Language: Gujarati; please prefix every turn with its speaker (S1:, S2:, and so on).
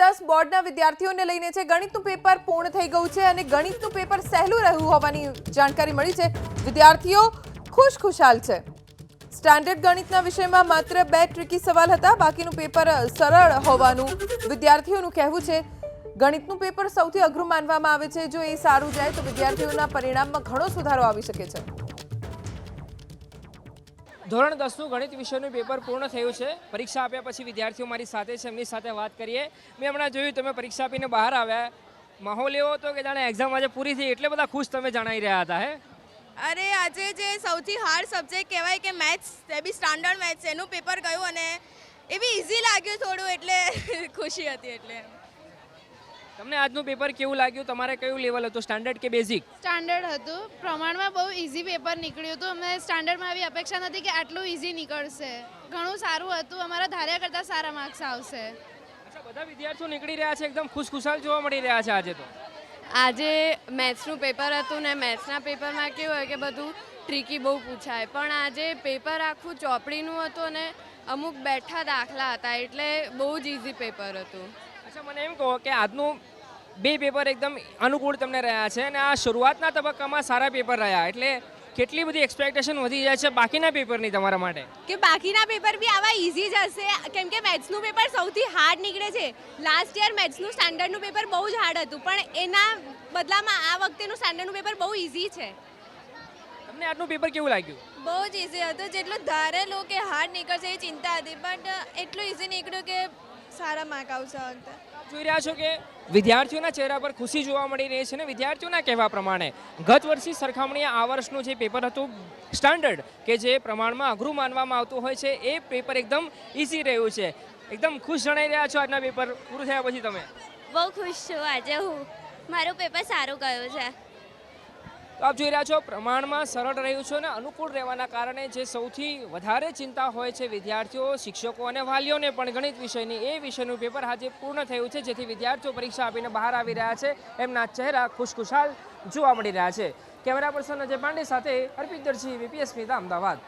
S1: 10 બોર્ડના વિદ્યાર્થીઓને લઈને છે। ગણિતનું પેપર પૂર્ણ થઈ ગયું છે અને ગણિતનું પેપર સહેલું રહ્યું હોવાની જાણકારી મળી છે। વિદ્યાર્થીઓ ખુશખુશાલ છે। સ્ટાન્ડર્ડ ગણિતના વિષયમાં માત્ર 2 ટ્રિકી સવાલ હતા, બાકીનું પેપર સરળ હોવાનું વિદ્યાર્થીઓનું કહેવું છે। ગણિતનું પેપર સૌથી અઘરું માનવામાં આવે છે। જો એ સારું જાય તો વિદ્યાર્થીઓના પરિણામમાં ઘણો સુધારો આવી શકે છે।
S2: ધોરણ 10નું ગણિત વિષયનું પેપર પૂર્ણ થયું છે। પરીક્ષા આપ્યા પછી વિદ્યાર્થીઓ મારી સાથે છે, એમની સાથે વાત કરીએ। મેં હમણાં જોયું તમે પરીક્ષા આપીને બહાર આવ્યા, માહોલ એવો હતો કે જાણે એક્ઝામ આજે પૂરી થઈ એટલે બધા ખુશ તમે જણાઈ રહ્યા હતા હે?
S3: અરે આજે જે સૌથી હાર્ડ સબ્જેક્ટ કહેવાય કે મેથ્સ, તે બી સ્ટાન્ડર્ડ મેથ્સ, એનું પેપર ગયું અને એ બી ઇઝી લાગ્યું થોડું, એટલે ખુશી હતી। એટલે
S2: તમને આજનું પેપર કેવું લાગ્યું? તમારે કયું લેવલ હતું, સ્ટાન્ડર્ડ કે બેઝિક?
S4: સ્ટાન્ડર્ડ હતું। પ્રમાણમાં બહુ ઇઝી પેપર નીકળ્યું હતું। અમને સ્ટાન્ડર્ડમાં આવી અપેક્ષા નથી કે આટલું ઇઝી નીકળશે। ઘણું સારું હતું, અમારા ધાર્યા કરતાં સારા માર્ક્સ આવશે।
S2: અચ્છા, બધા વિદ્યાર્થીઓ નીકળી રહ્યા છે, એકદમ ખુશખુશાલ જોવા મળી રહ્યા છે આજે તો।
S5: આજે મેથ્સનું પેપર હતું ને મેથ્સના પેપરમાં કેવું હોય કે બધું ટ્રિકી બહુ પૂછાય, પણ આજે પેપર આખું ચોપડીનું હતું અને અમુક બેઠા દાખલા હતા, એટલે બહુ જ ઇઝી પેપર હતું।
S2: અચ્છા, મને એમ કહો કે આજનું 2 પેપર એકદમ અનુકૂળ તમને રહ્યા છે અને આ શરૂઆતના તબક્કામાં સારા પેપર રહ્યા, એટલે કેટલી બધી એક્સપેક્ટેશન વધી જાય છે બાકીના પેપરની તમારા માટે?
S3: કે બાકીના પેપર બી આવા ઇઝી જ હશે, કેમ કે મેથ્સનું પેપર સૌથી હાર્ડ નીકળે છે। લાસ્ટ યર મેથ્સનું સ્ટાન્ડર્ડનું પેપર બહુ જ હાર્ડ હતું, પણ એના બદલામાં આ વખતેનું સ્ટાન્ડર્ડનું પેપર બહુ ઇઝી છે।
S2: તમને આજનું પેપર કેવું લાગ્યું?
S3: બહુ જ ઇઝી હતું। જેટલું ધારેલું કે હાર્ડ નીકળશે એ ચિંતા હતી, બટ એટલું ઇઝી નીકળ્યું કે સારા માર્ક આવશે આ વખતે।
S2: જોઈ રહ્યા છો કે વિદ્યાર્થીઓના ચહેરા પર ખુશી જોવા મળી રહી છે અને વિદ્યાર્થીઓના કહેવા પ્રમાણે ગત વર્ષની સરખામણીએ આ વર્ષનું જે પેપર હતું સ્ટાન્ડર્ડ, કે જે પ્રમાણમાં અઘરું માનવામાં આવતું હોય છે, એ પેપર એકદમ ઇઝી રહ્યું છે। એકદમ ખુશ જણાઈ રહ્યા છો આજના પેપર પૂરું થયા પછી તમે?
S6: બહુ ખુશ છું આજે હું, મારું પેપર સારું ગયું છે।
S2: તો આપ જોઈ રહ્યા છો પ્રમાણમાં સરળ રહ્યું છે અને અનુકૂળ રહેવાના કારણે જે સૌથી વધારે ચિંતા હોય છે વિદ્યાર્થીઓ, શિક્ષકો અને વાલીઓને પણ ગણિત વિષયની, એ વિષયનું પેપર આજે પૂર્ણ થયું છે, જેથી વિદ્યાર્થીઓ પરીક્ષા આપીને બહાર આવી રહ્યા છે। એમના ચહેરા ખુશખુશાલ જોવા મળી રહ્યા છે। કેમેરા પર્સન અજય પાંડે સાથે અર્પિત દરજી, VPS સ્મિતા, અમદાવાદ।